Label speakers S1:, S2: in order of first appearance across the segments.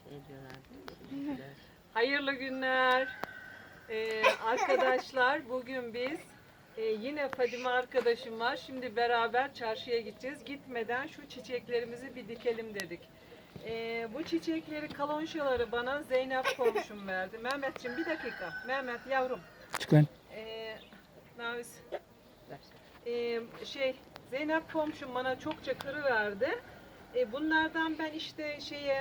S1: Hayırlı günler. Arkadaşlar bugün biz yine Fadime arkadaşım var. Şimdi beraber çarşıya gideceğiz. Gitmeden şu çiçeklerimizi bir dikelim dedik. Bu çiçekleri, kalonşaları bana Zeynep komşum verdi. Mehmetciğim bir dakika. Mehmet yavrum.
S2: Çıkın.
S1: Navis. Zeynep komşum bana çokça kırı verdi. Bunlardan ben işte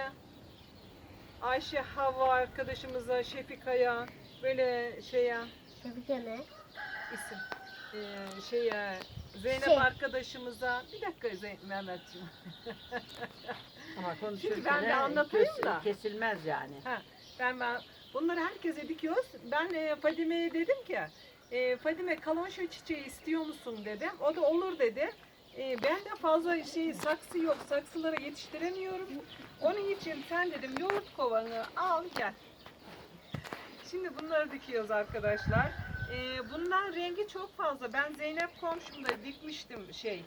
S1: Ayşe Havva arkadaşımıza, Şefika'ya, böyle
S3: Şefika ne?
S1: isim Zeynep arkadaşımıza, bir dakika Mehmetciğim.
S4: Ama
S1: Şimdi ben de anlatayım da.
S4: Kesilmez yani.
S1: Ben bunları herkese dikiyoruz. Ben Fadime'ye dedim ki, Fadime kalonşa çiçeği istiyor musun dedim. O da olur dedi. Ben de fazla saksı yok. Saksılara yetiştiremiyorum. Onun için sen dedim yoğurt kovanı al gel. Şimdi bunları dikiyoruz arkadaşlar. Bundan rengi çok fazla. Ben Zeynep komşumda dikmiştim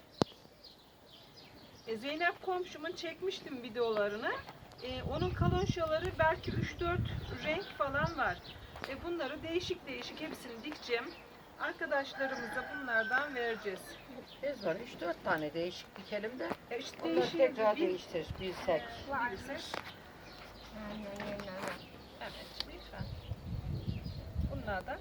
S1: Zeynep komşumun çekmiştim videolarını. Onun kalonşaları belki 3-4 renk falan var. Bunları değişik değişik hepsini dikeceğim. Arkadaşlarımıza bunlardan vereceğiz.
S4: Biz var 3-4 tane değişik dikelim de.
S1: İşte
S4: Onları tekrar değiştiririz bilsek.
S1: Evet, lütfen. Bunlardan.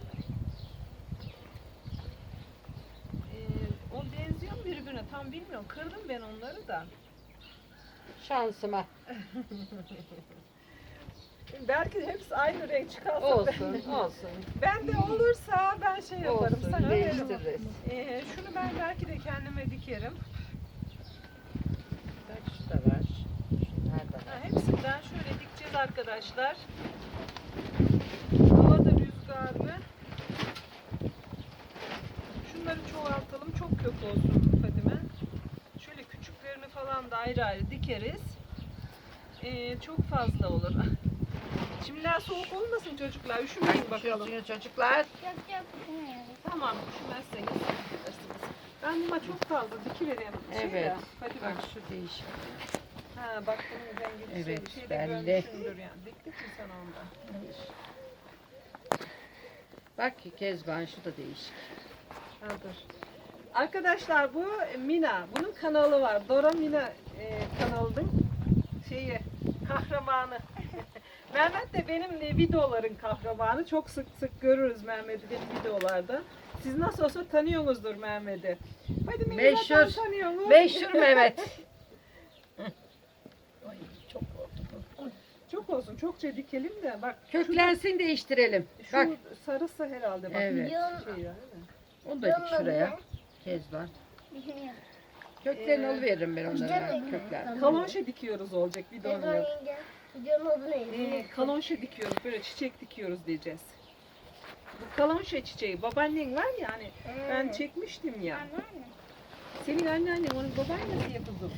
S1: O benziyor mu birbirine? Tam bilmiyorum. Kırdım ben onları da.
S4: Şansıma.
S1: Belki hepsi aynı renk çıkarsa.
S4: Olsun.
S1: Ben de olursa ben yaparım.
S4: Olsun,
S1: Sana veririm.
S4: değiştiririz.
S1: Şunu ben belki de kendime dikerim.
S4: Bak şu da var. Şunlar da var.
S1: Hepsinden şöyle dikeceğiz arkadaşlar. Hava da rüzgarlı. Şunları çoğaltalım. Çok kök olsun Fadime. Şöyle küçüklerini falan da ayrı ayrı dikeriz. Çok fazla olur. Şimdiden soğuk olmasın çocuklar. Üşümeyin bakalım.
S4: Çocuklar.
S3: Yok.
S1: Tamam, üşümezseniz yaparsınız. Ben buna çok fazla dikivereyim.
S4: Evet.
S1: Hadi
S4: Bak
S1: bak.
S4: şu değişik.
S1: Bak bunun rengi
S4: Evet,
S1: şeyde
S4: belli.
S1: görmüşsündür yani. Diktik mi sen onda?
S4: Bak Kezban şu da değişik.
S1: Dur. Arkadaşlar bu Mina. Bunun kanalı var. Dora Mina kanalının kahramanı. Mehmet de benim videoların kahramanı. Çok sık sık görürüz Mehmet'i benim videolarda. Siz nasıl olsa tanıyorsunuzdur Mehmet'i. Hadi
S4: Meşhur.
S1: tanıyorsunuz.
S4: Meşhur Mehmet. Ay, çok oldu.
S1: Çok olsun. Çokça dikelim de. Bak
S4: Köklensin değiştirelim.
S1: şu
S4: Bak.
S1: sarısı herhalde. Bak.
S4: Evet.
S1: Değil mi?
S4: Onu da dik şuraya. Kezban. Köklerini alıveririm ben onlara. Kökler.
S1: Kalonşa dikiyoruz olacak videonun yok.
S3: Videonun adı neydi?
S1: Kalonşa dikiyoruz. Böyle çiçek dikiyoruz diyeceğiz. Bu kalonşa çiçeği. Babaannen var ya hani ben çekmiştim ya. Senin anneannen onun babaannesi yapıldı.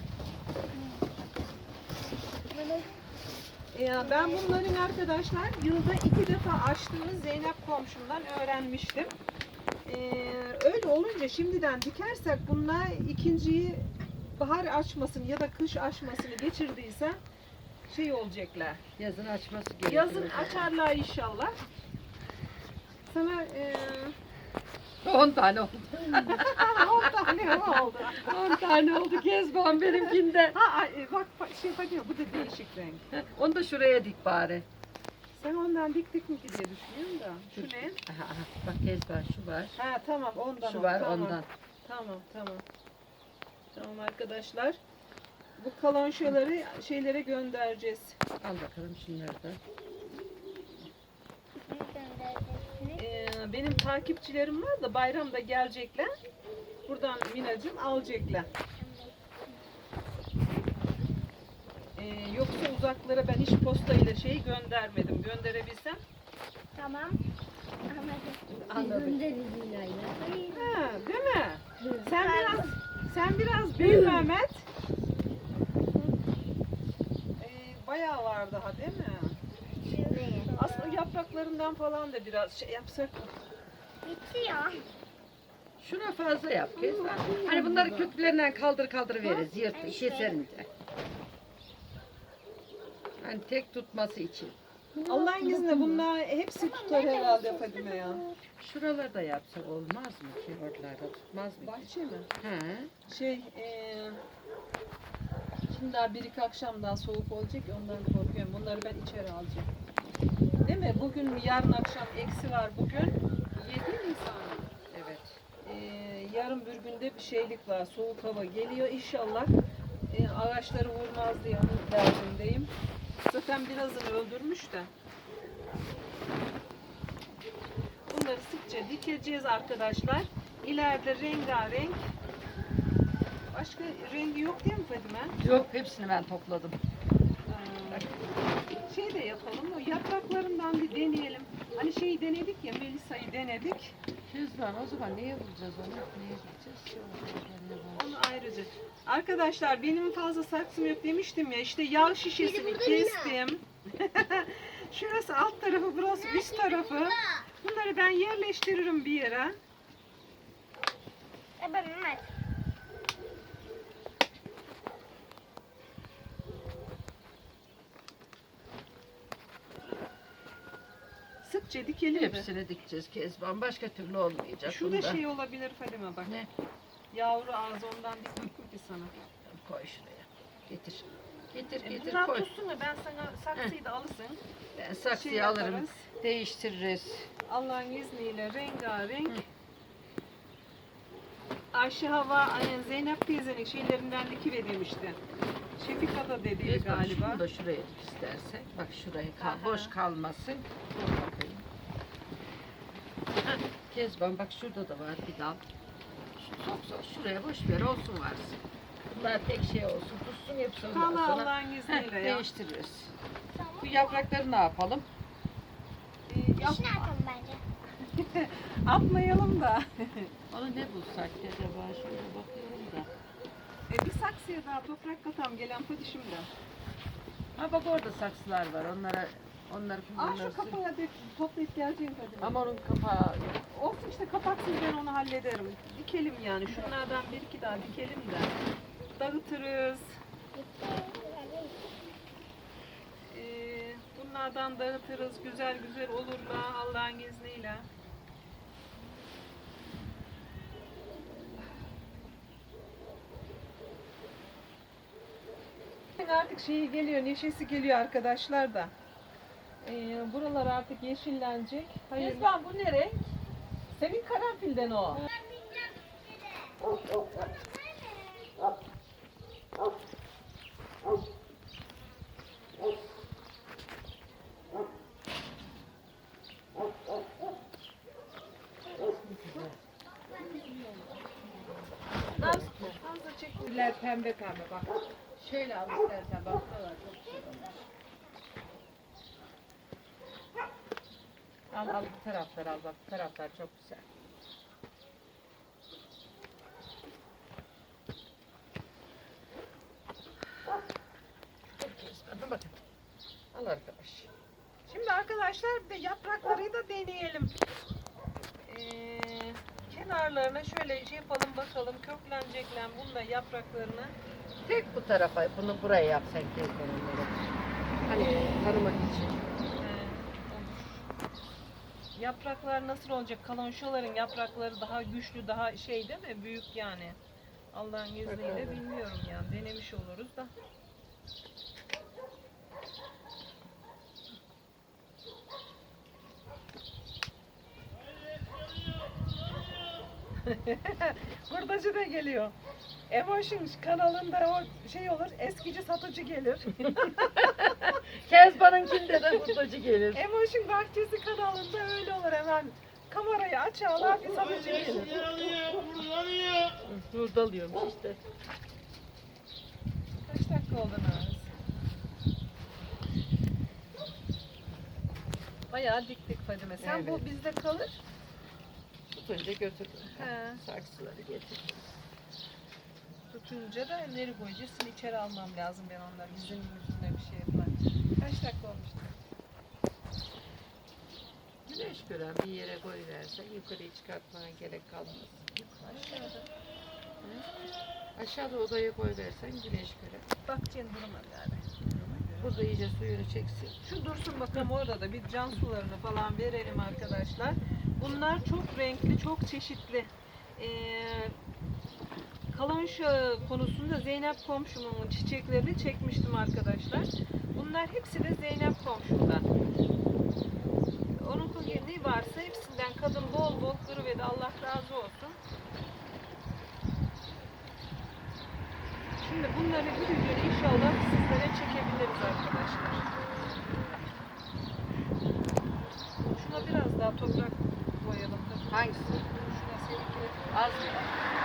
S1: Ben bunların arkadaşlar yılda 2 defa açtığını Zeynep komşumdan öğrenmiştim. Öyle olunca şimdiden dikersek bunlar ikinciyi bahar açmasını ya da kış açmasını geçirdiyse olacaklar.
S4: Yazın açması gerekiyor.
S1: Yazın açarlar inşallah. Sana
S4: 10 tane oldu.
S1: 10 tane oldu.
S4: 10 tane oldu Kezban benimkinde.
S1: Bak bakıyor bu da değişik renk.
S4: Onu da şuraya dik bari.
S1: Sen ondan diktik mi ki diye düşünüyorum da. Şu ne?
S4: Aha, bak Kezban şu var.
S1: Tamam ondan.
S4: Şu var
S1: tamam.
S4: ondan.
S1: Tamam. Tamam arkadaşlar. Bu kalonşaları şeylere göndereceğiz.
S4: Al bakalım şunları da.
S1: Benim takipçilerim var da bayramda gelecekler. Buradan Minacığım alacaklar. Yoksa uzaklara ben hiç postayla göndermedim. Gönderebilsem.
S3: Tamam.
S1: Anladım.
S3: Değil
S1: Değil mi? Sen biraz büyü Mehmet. Bayağı var daha değil mi? Aslında yapraklarından falan da biraz yapsak.
S3: Bitti ya.
S4: Şuna fazla yap Kezban. Hani bunları köklerinden kaldır veririz. Yırt, keserince. Hani tek tutması için.
S1: Allah'ın izniyle bunlar hepsi tutar herhalde Fadime ya.
S4: Şuralarda yapsak olmaz mı ki? Oralarda tutmaz mı ki?
S1: Bahçe mi?
S4: He.
S1: Şey, şimdi daha bir iki akşam daha soğuk olacak ya, ondan korkuyorum. Bunları ben içeri alacağım. Değil mi? Bugün yarın akşam eksi var bugün. 7 Nisan.
S4: Evet.
S1: Yarın bir günde bir şeylik var. Soğuk hava geliyor inşallah. Ağaçları vurmaz diye onun derdindeyim. Zaten birazını öldürmüş de. Bunları sıkça dikeceğiz arkadaşlar. İleride rengarenk. Başka rengi yok değil mi Fadime?
S4: Yok, hepsini ben topladım.
S1: Şey de yapalım, o yapraklarından bir deneyelim. Hani şeyi denedik ya, Melisa'yı denedik.
S4: Kezban, o zaman neye vuracağız onu? Neye vuracağız?
S1: Onu ayrıca. Arkadaşlar benim fazla saksım yok demiştim ya, işte yağ şişesini kestim. Şurası alt tarafı, burası üst tarafı. Bunları ben yerleştiririm bir yere.
S3: Ben Mehmet.
S1: Sıkça dikelim de.
S4: Hepsini dikeceğiz Kezban. Başka türlü olmayacak.
S1: Şurada
S4: bunda.
S1: şey olabilir Fadime bak.
S4: Ne?
S1: Yavru ağzı, ondan diktim ki sana.
S4: Koy şuraya. Getir. Getir
S1: Bunlar
S4: koy.
S1: tutsun mu? Ben sana saksıyı da alırsın.
S4: Ben saksıyı
S1: Şey
S4: alırım.
S1: yaparız.
S4: Değiştiririz.
S1: Allah'ın izniyle rengarenk. Ayşe Hava, Zeynep teyzenin şeylerinden dikiverilmişti. Şefika da dedi
S4: Kezban,
S1: galiba.
S4: şunu da şuraya dik istersen. Bak şuraya
S1: Aha.
S4: boş kalmasın. Dur bakayım. Heh, Kezban bak şurada da var bir dal. Sok şuraya boş ver, olsun varsın. Bunlar tek şey olsun, tutsun hepsi ondan
S1: Allah
S4: sonra.
S1: Allah'ın izniyle ya.
S4: Değiştiririz. Bu yaprakları ne yapalım?
S3: İşini atalım bence.
S1: Atmayalım da.
S4: Onu ne bulsak acaba? Şöyle bakıyorum da.
S1: Bir saksıya daha toprak katam gelen padişimde.
S4: Ha bak orada saksılar var. Onları
S1: Şu
S4: kullanırsın.
S1: kapağı toplayıp geleceğim Fadime.
S4: Ama onun kapağı yok.
S1: Olsun işte, kapaksız ben onu hallederim. Dikelim yani. Şunlardan bir iki daha dikelim de. Dağıtırız. Bunlardan dağıtırız. Güzel güzel olur da Allah'ın izniyle. Artık şeyi geliyor, neşesi geliyor arkadaşlar da. Buralar artık yeşillenecek. Hayır.
S4: Kezban bu ne renk?
S1: Senin karanfilden o. Fazla çek.
S4: Güller pembe bak. Şöyle al istersen bak buralar çok güzel olmuş. Al bu taraflar al bak, bu taraflar çok güzel. Dur bakın. Al arkadaş.
S1: Şimdi arkadaşlar bir de yaprakları da deneyelim. Kenarlarına şöyle şey yapalım bakalım, köklenecekler bunda yapraklarını.
S4: Tek bu tarafa, bunu buraya yap sen Kezban onları. Hani tanımak için.
S1: Yapraklar nasıl olacak? Kalonşoların yaprakları daha güçlü, daha şey değil mi? Büyük yani. Allah'ın izniyle
S4: Bakalım.
S1: bilmiyorum yani. Denemiş oluruz da. Hurdacı da geliyor. Emotion kanalında o şey olur, eskici satıcı gelir.
S4: Kezban'ınkinde de hurdacı gelir.
S1: Emotion Bahçesi kanalında öyle olur, hemen kamerayı açarlar, bir satıcı gelir.
S4: Hurdalıyormuş işte.
S1: Kaç dakika oldu Naz? Bayağı diktik Fadime. Sen bu
S4: Evet.
S1: bizde kalır.
S4: Tutunca götürdüm.
S1: He.
S4: Saksıları getirdim.
S1: Tutunca da nereye koyacağız? Şimdi içeri almam lazım ben onları. Yüzünün yüzüne bir şey yapar. Kaç dakika olmuştu?
S4: Güneş gören bir yere koyuversen yukarıya çıkartmana gerek kalmaz.
S1: Aşağıda.
S4: Aşağıda odaya koyuversen güneş gören.
S1: Bakacaksın duruma galiba. Duruma göre.
S4: burada iyice suyunu çeksin.
S1: Şu dursun bakalım, orada da bir can sularını falan verelim arkadaşlar. Bunlar çok renkli, çok çeşitli. Kalonşa konusunda Zeynep komşumun çiçeklerini çekmiştim arkadaşlar. Bunlar hepsi de Zeynep komşumdan. Onun ne varsa hepsinden kadın bol bol kırıverdi. Allah razı olsun. Şimdi bunları bir gün inşallah sizlere çekebiliriz arkadaşlar. Şuna biraz daha toprak koyalım.
S4: Hangisi?
S1: Şuna seninki.
S4: Az mı?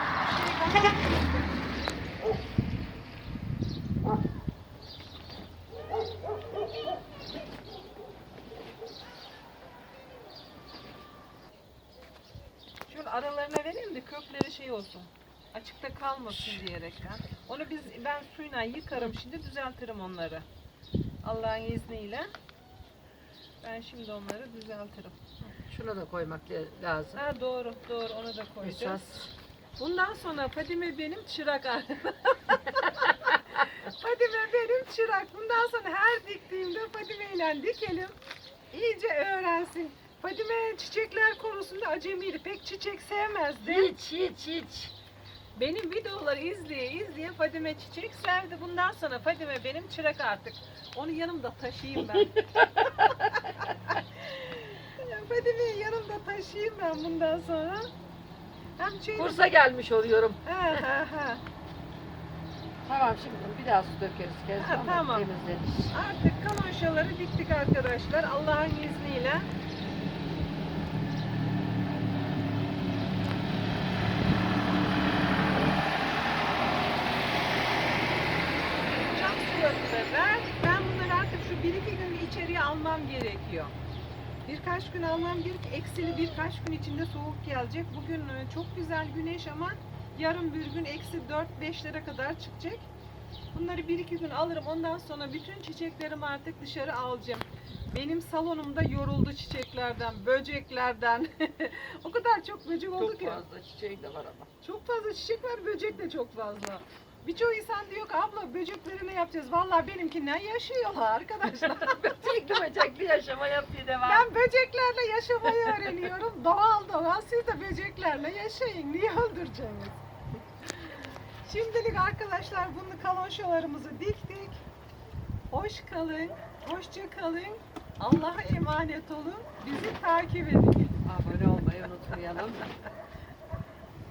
S1: Şöyle aralarına vereyim de kökleri şey olsun. Açıkta kalmasın diyerekten. Onu ben suyla yıkarım, şimdi düzeltirim onları. Allah'ın izniyle. Ben şimdi onları düzeltirim.
S4: Şunu da koymak lazım.
S1: Ha, doğru, onu da koyacağız.
S4: Esas.
S1: Bundan sonra Fadime benim çırak Fadime benim çırak. Bundan sonra her diktiğimde Fadime ile dikelim. İyice öğrensin. Fadime çiçekler konusunda acemiydi. Pek çiçek sevmezdi.
S4: Hiç.
S1: Benim videoları izleye Fadime çiçek sevdi. Bundan sonra Fadime benim çırak artık. Onu yanımda taşıyayım ben. Fadime'yi yanımda taşıyayım ben bundan sonra. Hem şey...
S4: Kursa gelmiş oluyorum.
S1: Ha.
S4: Tamam, şimdi bir daha su dökeriz.
S1: Ha, tamam.
S4: Temizlenir.
S1: Artık kalonşaları diktik arkadaşlar. Allah'ın izniyle. Cam sularını da ver. Ben bunları artık şu 1-2 gün içeriye almam gerekiyor. Birkaç gün almam gerek. Eksili birkaç gün içinde soğuk gelecek. Bugün çok güzel güneş ama yarın bir gün eksi 4-5'lere kadar çıkacak. Bunları 1-2 gün alırım. Ondan sonra bütün çiçeklerimi artık dışarı alacağım. Benim salonumda yoruldu çiçeklerden, böceklerden. O kadar çok böcek oldu
S4: Çok
S1: ki.
S4: fazla çiçeği de var ama.
S1: Çok fazla çiçek var, böcek de çok fazla. Birçoğu insan diyor ki abla böcekleri ne yapacağız? Vallahi benimkinden yaşıyorlar arkadaşlar.
S4: Böcekli yaşama yapıyor devam.
S1: Ben böceklerle yaşamayı öğreniyorum. Doğal. Siz de böceklerle yaşayın. Niye öldüreceksiniz? Şimdilik arkadaşlar bunu kalonşalarımızı diktik. Hoş kalın. Hoşça kalın. Allah'a emanet olun. Bizi takip edin.
S4: Abone olmayı unutmayalım.